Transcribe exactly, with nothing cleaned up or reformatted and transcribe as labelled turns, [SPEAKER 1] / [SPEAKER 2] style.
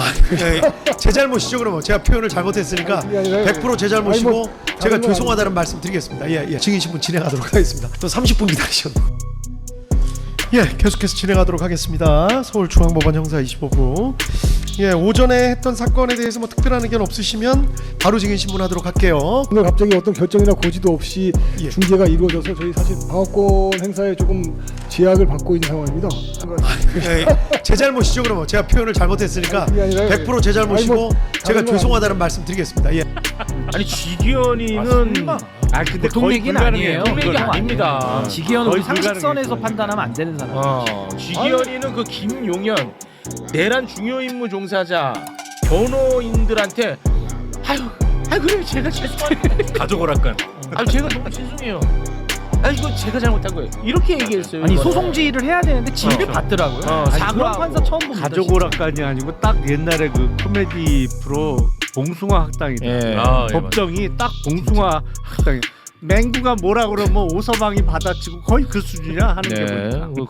[SPEAKER 1] 예, 제 잘못이죠. 그러면 제가 표현을 잘못했으니까
[SPEAKER 2] 아니, 아니, 아니,
[SPEAKER 1] 백 퍼센트 제 잘못이고
[SPEAKER 2] 아니, 뭐,
[SPEAKER 1] 제가
[SPEAKER 2] 다른 건
[SPEAKER 1] 죄송하다는 말씀 드리겠습니다. 예, 예, 증인 신문 진행하도록 하겠습니다. 또 삼십 분 기다리셨네요. 예, 계속해서 진행하도록 하겠습니다. 서울중앙법원 형사 이십오 부. 예, 오전에 했던 사건에 대해서 뭐 특별한 의견 없으시면 바로 증인 신문하도록 할게요.
[SPEAKER 2] 오늘 갑자기 어떤 결정이나 고지도 없이
[SPEAKER 1] 예.
[SPEAKER 2] 중계가 이루어져서 저희 사실 방어권 행사에 조금 제약을 받고 있는 상황입니다.
[SPEAKER 1] 예, 제 잘못이죠. 그러면 제가 표현을 잘못했으니까
[SPEAKER 2] 그게 아니라
[SPEAKER 1] 백 퍼센트 제 잘못이고
[SPEAKER 2] 아니, 뭐,
[SPEAKER 1] 제가
[SPEAKER 2] 다른 건
[SPEAKER 1] 죄송하다는 말씀 드리겠습니다. 예.
[SPEAKER 3] 아니 지기현이는
[SPEAKER 4] 아 근데
[SPEAKER 5] 보통
[SPEAKER 4] 거의
[SPEAKER 5] 얘기는
[SPEAKER 4] 불가능해요.
[SPEAKER 5] 아니에요.
[SPEAKER 3] 그건
[SPEAKER 5] 그건
[SPEAKER 3] 아닙니다.
[SPEAKER 5] 아니에요. 지기현은 우리
[SPEAKER 4] 거의
[SPEAKER 5] 상식선에서
[SPEAKER 4] 불가능해요.
[SPEAKER 5] 판단하면 안 되는 사람.
[SPEAKER 3] 어, 지기현이는 그 김용현 내란 중요 임무 종사자 변호인들한테 아유, 아유 그래 제가 죄송해요.
[SPEAKER 4] 가족 오락관.
[SPEAKER 3] 아유 제가 너무 죄송해요. 아 이거 제가 잘못한 거예요. 이렇게 얘기했어요.
[SPEAKER 5] 아니
[SPEAKER 3] 이거는.
[SPEAKER 5] 소송지휘를 해야 되는데 지휘를
[SPEAKER 3] 어.
[SPEAKER 5] 받더라고요.
[SPEAKER 3] 어,
[SPEAKER 5] 아니,
[SPEAKER 3] 사과하고.
[SPEAKER 5] 그런 판사 처음 봅니다.
[SPEAKER 4] 가족
[SPEAKER 5] 진짜.
[SPEAKER 4] 오락관이 아니고 딱 옛날에 그 코미디 프로 봉숭아 학당이다.
[SPEAKER 3] 예.
[SPEAKER 4] 아, 법정이 딱 봉숭아 학당이. 맹구가 뭐라 그러면 오서방이 받아치고 거의 그 수준이야 하는 게
[SPEAKER 3] 네.
[SPEAKER 4] 보니까.